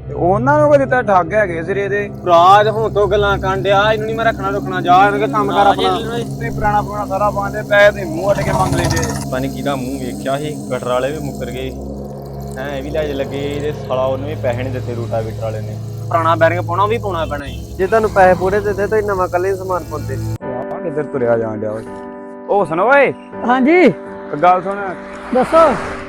ਉਹਨਾਂ ਨੂੰ ਕੋਈ ਦਿੱਤਾ ਠੱਗ ਹੈਗੇ ਸਿਰੇ ਦੇ ਭਰਾ ਹੁਣ ਤੋਂ ਗੱਲਾਂ ਕਾਂਡਿਆ ਇਹਨੂੰ ਨਹੀਂ ਮੈਂ ਰੱਖਣਾ ਜਾ ਇਹਨਾਂ ਦੇ ਕੰਮ ਕਰ ਆਪਣਾ ਤੇ ਪੁਰਾਣਾ ਸਾਰਾ ਪਾਉਂਦੇ ਪੈਸੇ ਤੇ ਮੂੰਹ ਅੱਡ ਕੇ ਮੰਗ ਲੈਂਦੇ ਪਾਣੀ ਕਿਹਦਾ ਮੂੰਹ ਵੇਖਿਆ ਸੀ ਗਟਰ ਵਾਲੇ ਵੀ ਮੁੱਕਰ ਗਏ ਇਹ ਵੀ ਲੈ ਲੱਗੇ ਇਹਦੇ ਸਾਲਾ ਉਹਨੂੰ ਵੀ ਪੈਸੇ ਨਹੀਂ ਦਿੱਤੇ ਰੂਟਾਵੀਟਰ ਵਾਲੇ ਨੇ ਪੁਰਾਣਾ ਬੈਰਿੰਗ ਪਾਉਣਾ ਵੀ ਪਾਉਣਾ ਪੈਣਾ ਜੇ ਤੁਹਾਨੂੰ ਪੈਸੇ ਪੂਰੇ ਦਿੱਤੇ ਤਾਂ ਨਵਾਂ ਕੱਲੇ ਸਮਾਨ ਪਾਉਂਦੇ ਆ ਕਿੱਧਰ ਤੁਰਿਆ ਜਾਣ ਡਿਆ ਓਏ ਉਹ ਸੁਣ ਓਏ ਹਾਂਜੀ ਗੱਲ ਸੁਣ ਦੱਸੋ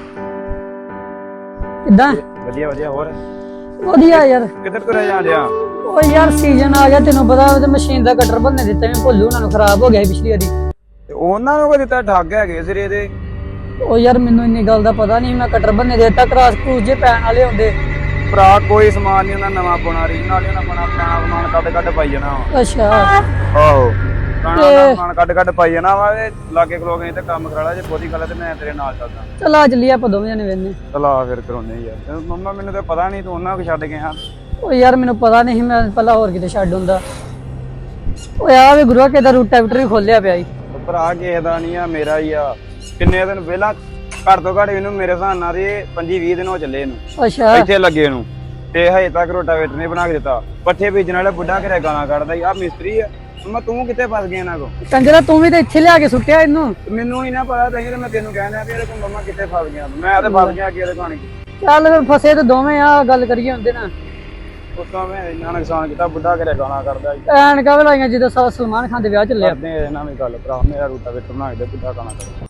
ਕਿੱਦਾਂ ਵਧੀਆ ਹੋਰ ਵਧੀਆ ਯਾਰ ਕਿੱਧਰ ਤੁਰਿਆ ਜਾਣ ਡਿਆ ਉਹ ਯਾਰ ਸੀਜ਼ਨ ਆ ਗਿਆ ਤੈਨੂੰ ਪਤਾ ਉਹ ਮਸ਼ੀਨ ਦਾ ਕਟਰ ਬੰਨੇ ਦਿੱਤੇ ਮੈਂ ਭੁੱਲੂ ਉਹਨਾਂ ਨੂੰ ਖਰਾਬ ਹੋ ਗਿਆ ਪਿਛਲੀ ਵਾਰੀ ਤੇ ਉਹਨਾਂ ਨੂੰ ਕੋਈ ਦਿੱਤਾ ਠੱਗ ਹੈਗੇ ਸਿਰੇ ਦੇ ਉਹ ਯਾਰ ਮੈਨੂੰ ਇੰਨੀ ਗੱਲ ਦਾ ਪਤਾ ਨਹੀਂ ਮੈਂ ਕਟਰ ਬੰਨੇ ਦਿੱਤਾ ਕਰਾਸ ਕੂਸ ਜੇ ਪੈਣ ਵਾਲੇ ਹੁੰਦੇ ਭਰਾ ਕੋਈ ਸਮਾਨ ਨਹੀਂ ਉਹਨਾਂ ਨਵਾਂ ਪਾਉਣਾ ਰੀਜਨਲ ਉਹਨਾਂ ਪਾਉਣਾ ਪੁਰਾਣਾ ਸਮਾਨ ਕੱਢ ਪਾਈ ਜਾਣਾ ਅੱਛਾ ਆਹੋ ਪੁਰਾਣਾ ਸਮਾਨ ਕੱਢ ਪਾਈ ਜਾਣਾ ਵਾ ਤੇ ਲਾਗੇ ਖਲੋ ਗਏ ਤੇ ਕੰਮ ਕਰਾ ਲਾ ਜੇ ਬਹੁਤੀ ਗੱਲ ਤੇ ਮੈਂ ਤੇਰੇ ਨਾਲ ਚੱਲਦਾ ਚਲ ਆ ਚੱਲੀਏ ਆਪਾਂ ਦੋਵੇਂ ਜਣੇ ਵੇਨੇ ਚਲਾ ਫਿਰ ਕਰਾਉਨੇ ਯਾਰ ਤੇ ਮੰਮਾ ਮੈਨੂੰ ਤਾਂ ਪਤਾ ਨਹੀਂ ਤੂੰ ਉਹਨਾਂ ਕੋ ਛੱਡ ਗਿਆ ਉਹ ਯਾਰ ਮੈਨੂੰ ਪਤਾ ਨਹੀਂ ਮੈਂ ਪਹਿਲਾਂ ਹੋਰ ਕਿਤੇ ਛੱਡ ਹੁੰਦਾ ਓਏ ਆ ਵੀ ਗੁਰੂਆ ਕਿਦਾ ਰੂਟਾਵੀਟਰ ਵੀ ਖੋਲਿਆ ਪਿਆ ਈ ਭਰਾ ਕਿਸੇ ਦਾ ਨਹੀਂ ਆ ਮੇਰਾ ਹੀ ਆ ਕਿੰਨੇ ਦਿਨ ਪਹਿਲਾਂ ਘੱਟ ਤੋਂ ਘੱਟ ਇਹਨੂੰ ਮੇਰੇ ਹਿਸਾਬ ਨਾਲ ਇਹ 25-20 ਦਿਨ ਹੋ ਚੱਲੇ ਇਹਨੂੰ ਅੱਛਾ ਇੱਥੇ ਲੱਗੇ ਨੂੰ ਤੇ ਹਜੇ ਤੱਕ ਰੋਟਾਵੇਟਰ ਨਹੀਂ ਬਣਾ ਕੇ ਦਿੱਤਾ ਪੱਠੇ ਬੀਜਣ ਵਾਲੇ ਬੁੱਢਾ ਘਰੇ ਗਾਲਾਂ ਕੱਢਦਾ ਆ ਮਿਸਤਰੀ ਆ ਮੈਂ ਤੂੰ ਕਿੱਥੇ ਫਸ ਗਿਆ ਇਹਨਾਂ ਕੋ ਕੰਜਰਾ ਤੂੰ ਵੀ ਤਾਂ ਇੱਥੇ ਲਿਆ ਕੇ ਸੁੱਟਿਆ ਇਹਨੂੰ ਮੈਨੂੰ ਹੀ ਨਾ ਪਤਾ ਤਾਂ ਮੈਂ ਤੈਨੂੰ ਕਹਿਣਾ ਵੀ ਇਹਦੇ ਕੋਲ ਮੰਮਾ ਕਿੱਥੇ ਫਸ ਗਿਆ ਮੈਂ ਤਾਂ ਫਸ ਗਿਆ ਅੱਗੇ ਇਹਦੇ ਕਹਾਣੀ ਚੱਲ ਫਿਰ ਫਸੇ ਤੇ ਦੋਵੇਂ ਆ ਗੱਲ ਕਰੀਏ ਹੁੰਦੇ ਨਾ ਉਸ ਤੋਂ ਮੈਂ ਇੰਨਾ ਨੁਕਸਾਨ ਕੀਤਾ ਬੁੱਢਾ ਘਰੇ ਗਾਲਾਂ ਕੱਢਦਾ ਐਨਕਾਂ ਵੀ ਲਾਈਆਂ ਜਦੋਂ ਸਲਮਾਨ ਖਾਨ ਦੇ ਵਿਆਹ ਚੱਲਿਆ ਕਰਦੇ ਇਹਨਾਂ ਵੀ ਗੱਲ ਭਰਾ ਮੇਰਾ ਰੋਟਾਵੇਟਰ ਬਣਾ ਕੇ ਦੇ ਬੁੱਢਾ ਗਾਲਾਂ ਕੱਢਦਾ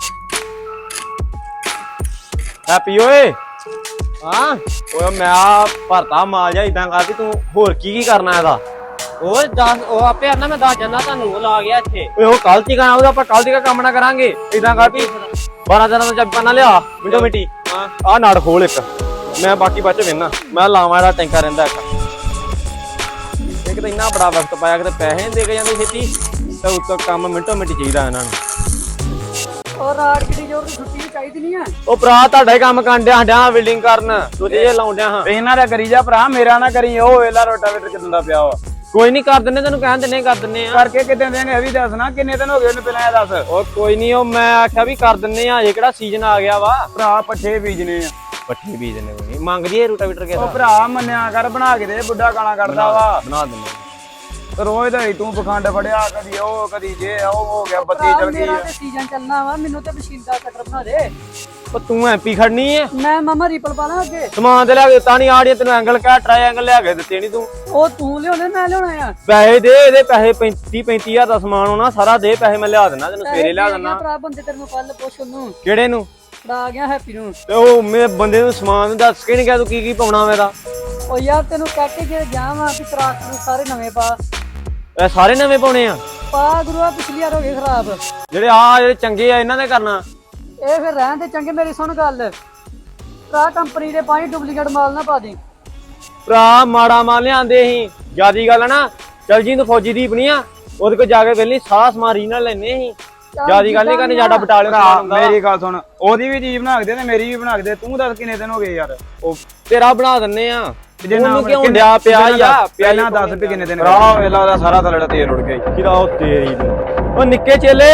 ਹੈਪੀ ਓਏ ਹਾਂ ਓਏ ਮੈਂ ਭਰਤਾ ਮਾਲ ਜਾ ਇਦਾਂ ਕਰਦੀ ਤੂੰ ਹੋਰ ਕੀ ਕਰਨਾ ਇਹਦਾ ਉਹ ਦੱਸ ਉਹ ਆਪੇ ਆਣਾ ਮੈਂ ਦੱਸ ਜਾਂਦਾ ਤੁਹਾਨੂੰ ਉਹ ਲਾ ਗਿਆ ਇੱਥੇ ਓਏ ਉਹ ਕੱਲ ਤੀ ਗਾਣਾ ਉਹਦਾ ਆਪਾਂ ਕੱਲ ਤੀ ਕੰਮ ਨਾ ਕਰਾਂਗੇ ਇਦਾਂ ਕਰ ਵੀ 12 ਦਿਨਾਂ ਦਾ ਜੱਪਾ ਨਾ ਲਿਆ ਮਿੰਟੋ ਮਿੰਟੀ ਆਹ ਨਾੜ ਖੋਲ ਇੱਕ ਮੈਂ ਬਾਕੀ ਬਾਅਦ ਚ ਵੇਨਾ ਮੈਂ ਲਾਵਾਂ ਇਹਦਾ ਟੈਂਕਰ ਰਹਿੰਦਾ ਇੱਕ ਤਾਂ ਇੰਨਾ ਬੜਾ ਵਕਤ ਪਾਇਆ ਕਿ ਪੈਸੇ ਨਹੀਂ ਦੇ ਕੇ ਜਾਂਦੇ ਛੇਤੀ ਤੇ ਉੱਤੋਂ ਕੰਮ ਮਿੰਟੋ ਮਿੰਟੀ ਚਾਹੀਦਾ ਇਹਨਾਂ ਨੂੰ ਔਰ ਰਾਤ ਕਿਹੜੀ ਜੋਰ ਦੀ ਛੁੱਟੀ ਚਾਹੀਦੀ ਨਹੀਂ ਆ ਉਹ ਭਰਾ ਤੁਹਾਡਾ ਹੀ ਕੰਮ ਕਾਂਡਿਆ ਹੱਡਿਆ ਬਿਲਡਿੰਗ ਕਰਨ ਦੂਜੇ ਜੇ ਲਾਉਂਦਿਆਂ ਹਾਂ ਇਹਨਾਂ ਦਾ ਕਰੀ ਜਾ ਭਰਾ ਮੇਰਾ ਨਾ ਕਰੀ ਉਹ ਵੇਲਾ ਰੋਟਾਵੇਟਰ ਕਿਦਾਂ ਦਾ ਪਿਆ ਵਾ ਕੋਈ ਨਹੀਂ ਕਰ ਦਿੰਨੇ ਤੈਨੂੰ ਕਹਿਣ ਦਿੰਨੇ ਕਰ ਦਿੰਨੇ ਆ ਕਰਕੇ ਕਿਤੇ ਦੇਂਗੇ ਇਹ ਵੀ ਦੱਸਣਾ ਕਿੰਨੇ ਦਿਨ ਹੋ ਗਏ ਉਹਨੂੰ ਪਹਿਲਾਂ ਇਹ ਦੱਸ ਉਹ ਕੋਈ ਨਹੀਂ ਉਹ ਮੈਂ ਆਖਿਆ ਵੀ ਕਰ ਦਿੰਨੇ ਆ ਇਹ ਕਿਹੜਾ ਸੀਜ਼ਨ ਆ ਗਿਆ ਵਾ ਭਰਾ ਪੱਠੇ ਬੀਜਨੇ ਆ ਪੱਠੇ ਬੀਜ ਦਿੰਨੇ ਕੋਈ ਮੰਗਦੀ ਏ ਰੂਟਾਵੀਟਰ ਕਿਹਦਾ ਉਹ ਭਰਾ ਮੰਨਿਆ ਕਰ ਬਣਾ ਕੇ ਦੇ ਬੁੱਢਾ ਗਾਲਾਂ ਕੱਢਦਾ ਵਾ ਬਣਾ ਦਿੰਨੇ ਰੋਜ਼ ਦਾ ਹੀ ਤੂੰ ਪਖੰਡ ਫੜਿਆ ਕਦੀ ਉਹ ਕਦੀ ਜੇ ਉਹ ਹੋ ਗਿਆ ਬੱਤੀ ਚਲ ਗਈ ਮੇਰਾ ਤੇ ਸੀਜ਼ਨ ਚੱਲਣਾ ਵਾ ਮੈਨੂੰ ਤੇ ਮਸ਼ੀਨ ਦਾ ਕਟਰ ਬਣਾ ਦੇ ਉਹ ਤੂੰ ਐਮਪੀ ਖੜਨੀ ਏ ਮੈਂ ਮਾਮਾ ਰੀਪਲ ਪਾ ਲਾਂ ਅੱਗੇ ਸਮਾਨ ਤੇ ਲਿਆ ਕੇ ਦਿੱਤਾ ਨਹੀਂ ਆੜੀਆਂ ਤੈਨੂੰ ਐਂਗਲ ਕਾ ਟ੍ਰਾਇੰਗਲ ਲਿਆ ਕੇ ਦਿੱਤੇ ਨਹੀਂ ਤੂੰ ਉਹ ਤੂੰ ਲਿਆਉਣੇ ਮੈਂ ਲਿਆਉਣਾ ਆ ਪੈਸੇ ਦੇ ਇਹਦੇ ਪੈਸੇ 35,000 ਦਾ ਸਮਾਨ ਹੋਣਾ ਸਾਰਾ ਦੇ ਪੈਸੇ ਮੈਂ ਲਿਆ ਦੇਣਾ ਤੈਨੂੰ ਸਵੇਰੇ ਲਿਆ ਦੇਣਾ ਭਰਾ ਬੰਦੇ ਤੈਨੂੰ ਕੱਲ ਪੁੱਛ ਉਹਨੂੰ ਕਿਹੜੇ ਨੂੰ ਫੜਾ ਗਿਆ ਹੈਪੀ ਨੂੰ ਤੇ ਉਹ ਮੈਂ ਬੰਦੇ ਨੂੰ ਸਮਾਨ ਦੱਸ ਕੇ ਨਹੀਂ ਗਿਆ ਤੂੰ ਕੀ ਪਾਉਣਾ ਮੇਰਾ ਉਹ ਯਾਰ ਤੈਨੂੰ ਕਹਿ ਕੇ ਗਿਆ ਜਾਵਾਂ ਕਿ ਤਰਾਕ ਨੂੰ ਸਾਰੇ ਨਵੇਂ ਪਾ ਇਹ ਸਾਰੇ ਨਵੇਂ ਪਾਉਣੇ ਆ ਪਾ ਗੁਰੂਆ ਪਿਛਲੀ ਵਾਰ ਹੋ ਗਏ ਖਰਾਬ ਜਿਹੜੇ ਚੰਗੇ ਆ ਇਹਨਾਂ ਦੇ ਕਰਨਾ ਇਹ ਫਿਰ ਰਹਿਣ ਦੇ ਚੰਗੇ ਮੇਰੀ ਸੁਣ ਗੱਲ ਭਰਾ ਕੰਪਨੀ ਦੇ ਪਾਣੀ ਡੁਪਲੀਕੇਟ ਮਾਲ ਨਾ ਪਾ ਦੇ ਭਰਾ ਮਾੜਾ ਮਾਲ ਲਿਆਂਦੇ ਸੀ ਜਿਆਦੀ ਗੱਲ ਨਾ ਚਲ ਜੀ ਤੂੰ ਫੌਜੀ ਦੀ ਬਣੀ ਆ ਉਹਦੇ ਕੋਲ ਜਾ ਕੇ ਵੇਲੇ ਸਾਰਾ ਸਮਾਨ ਰੀਜਨਲ ਲੈਣੇ ਸੀ ਜਿਆਦੀ ਗੱਲ ਨਹੀਂ ਕਰਨੀ ਸਾਡਾ ਬਟਾਲੀਅਨ ਭਰਾ ਮੇਰੀ ਗੱਲ ਸੁਣ ਉਹਦੀ ਵੀ ਚੀਜ਼ ਬਣਾ ਕੇ ਦੇ ਤੇ ਮੇਰੀ ਵੀ ਬਣਾ ਕੇ ਦੇ ਤੂੰ ਦੱਸ ਕਿੰਨੇ ਦਿਨ ਹੋ ਗਏ ਯਾਰ ਉਹ ਤੇਰਾ ਬਣਾ ਦਿੰਨੇ ਆ ਜੇ ਨਾ ਕਿਉਂ ਡਿਆ ਪਿਆ ਯਾ ਪਹਿਲਾਂ ਦੱਸ ਵੀ ਕਿੰਨੇ ਦਿਨ ਭਰਾ ਵੇਲਾ ਉਹਦਾ ਸਾਰਾ ਥਲੜਾ ਤੇਲ ਉੜ ਗਿਆ ਕਿਦਾ ਉਹ ਤੇਰੀ ਨੂੰ ਉਹ ਨਿੱਕੇ ਚੇਲੇ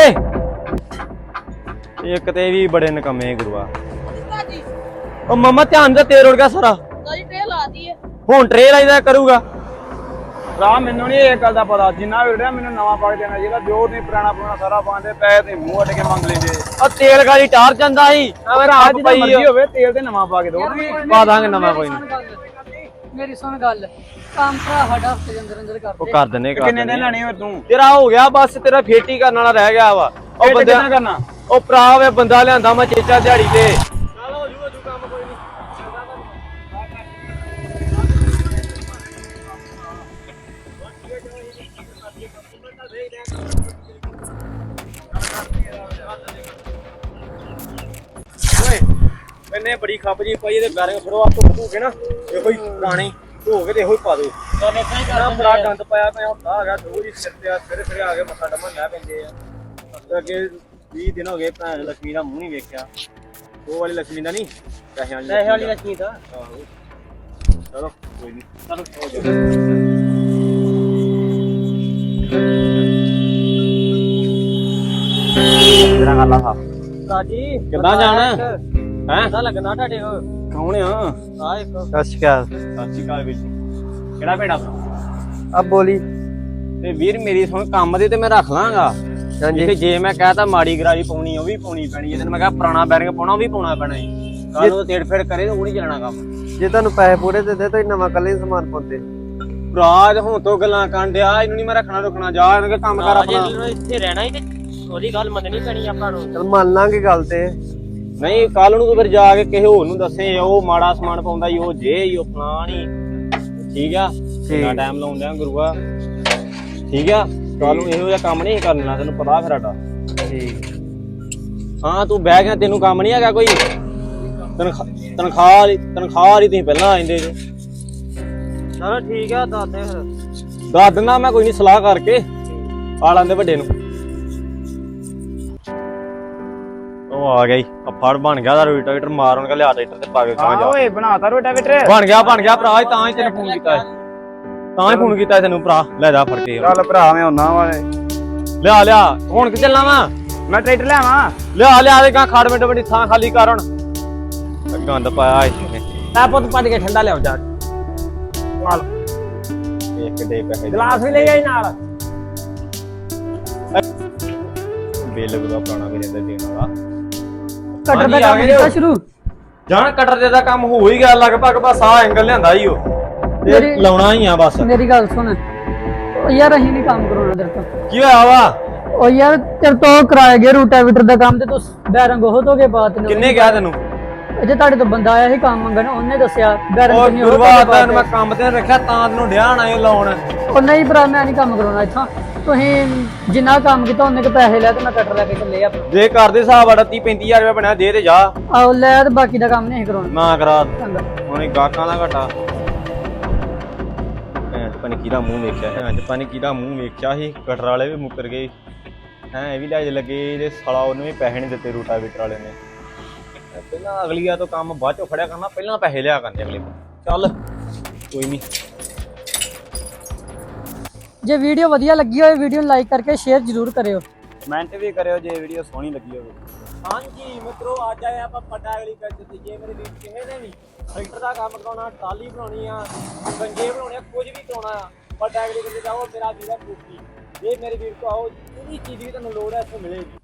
ਇੱਕ ਤੇ ਵੀ ਬੜੇ ਨਕਮੇ ਗੁਰੂਆ ਉਹ ਮਮਾ ਧਿਆਨ ਦਾ ਤੇਲ ਉੜ ਗਿਆ ਸਾਰਾ ਕਾਲੀ ਟ੍ਰੇ ਲਾਤੀ ਹੈ ਹੁਣ ਟ੍ਰੇ ਲਾਈਦਾ ਕਰੂਗਾ ਭਰਾ ਮੈਨੂੰ ਨਹੀਂ ਇਹ ਗੱਲ ਦਾ ਪਤਾ ਜਿੰਨਾ ਵੀ ਰਿਹਾ ਮੈਨੂੰ ਨਵਾਂ ਪਾ ਕੇ ਦੇਣਾ ਜਿਹੜਾ ਜੋ ਨਹੀਂ ਪੁਰਾਣਾ ਸਾਰਾ ਪਾਉਂਦੇ ਪੈਸੇ ਤੇ ਮੂੰਹ ਅੱਡ ਕੇ ਮੰਗ ਲੈਂਦੇ ਉਹ ਤੇਲ ਗਾਲੀ ਟਾਰ ਜਾਂਦਾ ਸੀ ਭਰਾ ਜਿੱਦਾਂ ਮਰਜ਼ੀ ਹੋਵੇ ਤੇਲ ਤੇ ਨਵਾਂ ਪਾ ਕੇ ਦੋ ਪਾ ਦਾਂਗੇ ਨਵਾਂ ਕੋਈ ਨਹੀਂ ਮੇਰੀ ਸੁਣ ਗੱਲ ਕੰਮ ਭਰਾ ਸਾਡਾ ਹਫਤੇ ਦੇ ਅੰਦਰ ਅੰਦਰ ਉਹ ਕਰਦੇ ਕਰ ਦਿੰਨੇ ਕਿੰਨੇ ਦਿਨ ਲੈਣੇ ਹੋ ਤੂੰ ਤੇਰਾ ਹੋ ਗਿਆ ਬਸ ਤੇਰਾ ਫੇਟੀ ਕਰਨ ਵਾਲਾ ਰਹਿ ਗਿਆ ਵਾ ਉਹ ਬੰਦਾ ਕਰਨਾ ਉਹ ਭਰਾ ਵੇ ਬੰਦਾ ਲਿਆਂਦਾ ਮੈਂ ਚੇਚਾ ਦਿਹਾੜੀ ਤੇ ਚੱਲ ਹੋ ਜੂ ਕੰਮ ਕੋਈ ਨਹੀਂ ਮੈਨੇ ਬੜੀ ਖੱਪ ਜੀ ਪਾਈ ਇਹਦੇ ਬੈਰਿੰਗ ਫੜੋ ਆ ਧੋ ਕੇ ਨਾ ਇਹੋ ਹੀ ਪੁਰਾਣੀ ਧੋ ਕੇ ਤੇ ਇਹੋ ਹੀ ਪਾ ਦੋ ਨਾ ਬੜਾ ਗੰਦ ਪਾਇਆ ਪਿਆ ਹੁੰਦਾ ਹੈਗਾ ਦੋ ਜੀ ਸਿਰ ਤੇ ਸਵੇਰੇ ਆ ਕੇ ਮੱਥਾ ਡੰਮਣ ਲੈ ਪੈਂਦੇ ਆ ਅੱਗੇ 20 ਦਿਨ ਹੋ ਗਏ ਭੈਣ ਲక్ష్ਮੀ ਦਾ ਮੂੰਹ ਨਹੀਂ ਵੇਖਿਆ ਉਹ ਵਾਲੀ ਲక్ష్ਮੀ ਦਾ ਨਹੀਂ ਪੈਸੇ ਵਾਲੀ ਲక్ష్ਮੀ ਦਾ ਆਹੋ ਚਲੋ ਕੋਈ ਨਹੀਂ ਚਲੋ ਹੋ ਜਾ ਤੇਰਾ ਗੱਲ ਆ ਕਾਜੀ ਕਿੱਦਾਂ ਜਾਣਾ ਹੈਂ ਪਤਾ ਲੱਗਣਾ ਤੁਹਾਡੇ ਕੋਲ ਕੌਣ ਆ ਆ ਇੱਕ ਸਤਿ ਸ਼੍ਰੀ ਅਕਾਲ। ਸਤਿ ਸ਼੍ਰੀ ਅਕਾਲ ਵੀਰ ਜੀ ਕਿਹੜਾ ਪਿੰਡ ਆਪਣਾ ਆ ਬੋਲੀ। ਤੇ ਵੀਰ ਮੇਰੀ ਸੁਣ ਕੰਮ ਦੇ ਤੇ ਮੈਂ ਰੱਖ ਲਾਂਗਾ ਹਾਂਜੀ ਤੇ ਜੇ ਮੈਂ ਕਹਤਾ ਮਾੜੀ ਗਰਾਰੀ ਪਾਉਣੀ ਉਹ ਵੀ ਪਾਉਣੀ ਪੈਣੀ ਜੇ ਮੈਂ ਕਹਾਂ ਪੁਰਾਣਾ ਬੈਰਿੰਗ ਪਾਉਣਾ ਉਹ ਵੀ ਪਾਉਣਾ ਪੈਣਾ ਜੀ ਕੱਲ ਨੂੰ ਤੇੜ ਫੇੜ ਕਰੇ ਤਾਂ ਉਹ ਨਹੀਂ ਚੱਲਣਾ ਕੰਮ ਜੇ ਤੁਹਾਨੂੰ ਪੈਸੇ ਪੂਰੇ ਦੇ ਦੇ ਤਾਂ ਨਵਾਂ ਕੱਲੇ ਸਮਾਨ ਪਾਉਂਦੇ। ਰਾਜ ਹੁਣ ਤੋਂ ਗੱਲਾਂ ਕਰਨ ਡਿਆ ਇਹਨੂੰ ਨਹੀਂ ਮੈਂ ਰੱਖਣਾ ਜਾ ਇਹਨਾਂ ਦੇ ਕੰਮ ਕਰ ਆਪਣਾ ਜੇ ਇੱਥੇ ਰਹਿਣਾ ਹੀ ਤੇ ਉਹਦੀ ਗੱਲ ਮੰਨਣੀ ਪੈਣੀ ਆਪਾਂ ਨੂੰ। ਚਲ ਮੰਨ ਲਾਂਗੇ ਗੱਲ ਤੇ। ਨਹੀਂ ਕੱਲ ਨੂੰ ਤੂੰ ਫਿਰ ਜਾ ਕੇ ਕਿਸੇ ਹੋਰ ਨੂੰ ਦੱਸੇ ਉਹ ਮਾੜਾ ਸਮਾਨ ਪਾਉਂਦਾ ਈ ਉਹ ਜੇ ਈ ਉਹ ਫਲਾਣੀ ਠੀਕ ਆ ਕਿੰਨਾ ਟਾਈਮ ਲਾਉਂਦਿਆਂ ਗੁਰੂਆ ਠੀਕ ਆ ਕੱਲ ਨੂੰ ਇਹੋ ਜਿਹਾ ਕੰਮ ਨਹੀਂ ਕਰਨਾ ਤੈਨੂੰ ਪਤਾ ਫਿਰ ਸਾਡਾ ਠੀਕ। ਹਾਂ ਤੂੰ ਬਹਿ ਗਿਆ ਤੈਨੂੰ ਕੰਮ ਨਹੀਂ ਹੈਗਾ ਕੋਈ ਤਨਖਾਹ ਲਈ ਤੁਸੀਂ ਪਹਿਲਾਂ ਆਂਦੇ ਜੇ ਚਲੋ ਠੀਕ ਆ ਦੱਸ ਦੇ ਫਿਰ। ਦੱਸ ਦਿੰਦਾ ਮੈਂ ਕੋਈ ਨਹੀਂ ਸਲਾਹ ਕਰਕੇ ਆ ਲਾਂਦੇ ਵੱਡੇ ਨੂੰ ਉਹ ਆ ਗਿਆ ਈ ਆ ਫੜ ਬਣ ਗਿਆ ਦਾ ਰੋਟਾਵੇਟਰ ਮਾਰ ਉਹਨਾਂ ਲਿਆ ਟਰੈਕਟਰ ਤੇ ਪਾ ਕੇ ਗਾਂ ਜਾ ਓਏ ਬਣਾਤਾ ਰੋਟਾਵੇਟਰ ਬਣ ਗਿਆ ਭਰਾ ਤਾਂ ਹੀ ਤੈਨੂੰ ਫੋਨ ਕੀਤਾ ਤਾਂ ਹੀ ਫੋਨ ਕੀਤਾ ਤੈਨੂੰ ਭਰਾ ਲੈ ਜਾ ਫੜ ਕੇ ਚੱਲ ਭਰਾ ਮੈਂ ਹੁੰਨਾ ਵਾਲੇ ਲਿਆ ਹੁਣ ਕਿ ਚੱਲਣਾ ਵਾ ਮੈਂ ਟਰੈਕਟਰ ਲਿਆਵਾਂ ਲਿਆ ਦੇ ਗਾਂ ਖੜ ਮਿੰਟ ਬੜੀ ਥਾਂ ਖਾਲੀ ਕਰ ਹੁਣ ਗੰਦ ਪਾਇਆ ਇਸਨੇ ਤਾਂ ਪੁੱਤ ਭੱਜ ਕੇ ਠੰਡਾ ਲਿਆਓ ਜਾ ਨਾਲ ਇੱਕ ਦੇ ਪੈਸੇ ਗਲਾਸ ਵੀ ਲੈ ਆਈ ਨਾਲ। ਬਿੱਲ ਗੁਰਾ ਪੁਰਾਣਾ ਮੇਰੇ ਅੰਦਰ ਦੇਣ ਵਾਲਾ ਕਟਰ ਦਾ ਕੰਮ ਕੀਤਾ ਸ਼ੁਰੂ। ਜਾਣ ਕਟਰ ਦਾ ਕੰਮ ਹੋ ਹੀ ਗਿਆ ਲਗਭਗ ਬਸ ਆ ਐਂਗਲ ਲਿਆਂਦਾ ਹੀ ਉਹ ਤੇ ਮੇਰੀ- ਲਾਉਣਾ ਹੀ ਆ ਬਸ ਮੇਰੀ ਗੱਲ ਸੁਣ, ਉਹ ਯਾਰ ਅਸੀਂ ਨਹੀਂ ਕੰਮ ਕਰਾਉਣਾ ਤੇਰੇ ਤੋਂ। ਕੀ ਹੋਇਆ ਵਾ ਉਹ ਯਾਰ ਤੇਰੇ ਤੋਂ ਕਰਾਇਆ ਗਿਆ ਰੂਟਾਵੀਟਰ ਦਾ ਕੰਮ ਤੇ ਤੂੰ ਬੈਰੰਗ ਉਹ ਧੋ ਕੇ ਬਾਤ ਨੇ। ਕਿੰਨੇ ਕਿਹਾ ਤੈਨੂੰ ਜੇ ਤੁਹਾਡੇ ਤੋਂ ਬੰਦਾ ਆਇਆ ਸੀ ਕੰਮ ਮੰਗਣ ਉਹਨੇ ਦੱਸਿਆ ਉਹ ਬੈਰੰਗ ਨਹੀਂ ਉਹ ਗੁਰੂਆ ਤਾਂ ਮੈਂ ਕੰਮ ਤੇ ਰੱਖਿਆ ਤਾਂ ਤੈਨੂੰ ਡਿਆ ਨਾ ਇਹ ਲਾਉਣ ਉਹ ਨਹੀਂ ਭਰਾ ਮੈਂ ਨਹੀਂ ਕੰਮ ਕਰਾਉਣਾ ਇੱਥੋਂ। ਤੁਸੀਂ ਜਿੰਨਾ ਕੰਮ ਕੀਤਾ ਉਹਨੇ ਕੇ ਪੈਸੇ ਲੈ ਤੇ ਮੈਂ ਕਟਰ ਲੈ ਕੇ ਚੱਲੇ ਆਪਣਾ। ਜੇ ਕਰਦੇ ਹਿਸਾਬ ਵਾੜਾ 30-35 ਰੁਪਏ ਬਣਿਆ ਦੇ ਤੇ ਜਾ ਆਹ ਲੈ ਤੇ ਬਾਕੀ ਦਾ ਕੰਮ ਨਹੀਂ ਕਰਾਉਣਾ। ਨਾ ਕਰਾ ਚੰਗਾ ਹੁਣ ਇਹ ਗਾਹਕਾਂ ਦਾ ਘਟਾ ਪਨ ਕਿਹਦਾ ਮੂੰਹ ਵੇਖਿਆ ਹੈ ਅੱਜ ਪਨ ਕਿਹਦਾ ਮੂੰਹ ਵੇਖਿਆ ਸੀ ਕਟਰ ਵਾਲੇ ਵੀ ਮੁੱਕਰ ਗਏ ਹੈ ਇਹ ਵੀ ਲੈ ਲੱਗੇ ਇਹਦੇ ਸਾਲਾ ਉਹਨੂੰ ਵੀ ਪੈਸੇ ਨਹੀਂ ਦਿੱਤੇ ਰੂਟਾਵੇਟਰ ਵਾਲੇ ਨੇ ਪਹਿਲਾਂ ਅਗਲੀਆ ਤੋਂ ਕੰਮ ਬਾਅਦ ਚੋਂ ਫੜਿਆ ਕਰਨਾ ਪਹਿਲਾਂ ਪੈਸੇ ਲਿਆ ਕਰਨੇ ਅਗਲੇ ਚੱਲ ਕੋਈ ਨਹੀਂ ਜੇ ਵੀਡੀਓ ਵਧੀਆ ਲੱਗੀ ਹੋਵੇ ਵੀਡੀਓ ਨੂੰ ਲਾਈਕ ਕਰਕੇ ਸ਼ੇਅਰ ਜ਼ਰੂਰ ਕਰਿਓ। ਕਮੈਂਟ ਵੀ ਕਰਿਓ ਜੇ ਵੀਡੀਓ ਸੋਹਣੀ ਲੱਗੀ ਹੋਵੇ। ਹਾਂਜੀ ਮਿੱਤਰੋ ਅੱਜ ਆਏ ਆਪਾਂ ਪੱਟਾ ਵਾਲੀ ਪਿੰਡ ਤੇ ਜੇ ਮੇਰੇ ਵੀਰ ਕਿਸੇ ਨੇ ਵੀ ਟਰੈਕਟਰ ਦਾ ਕੰਮ ਕਰਾਉਣਾ ਟਾਲੀ ਬਣਾਉਣੀ ਆ ਗੰਜੇ ਬਣਾਉਣੇ ਆ ਕੁਝ ਵੀ ਕਰਾਉਣਾ ਆ ਪੱਟਾ ਵਾਲੀ ਪਿੰਡ ਜਾਓ ਮੇਰਾ ਵੀਰ ਹੈ ਕੁੱਤੀ ਜੇ ਮੇਰੇ ਵੀਰ ਕੋ ਆਓ ਜਿਹੜੀ ਚੀਜ਼ ਵੀ ਤੁਹਾਨੂੰ ਲੋੜ ਹੈ ਇੱਥੇ ਮਿਲੇਗੀ।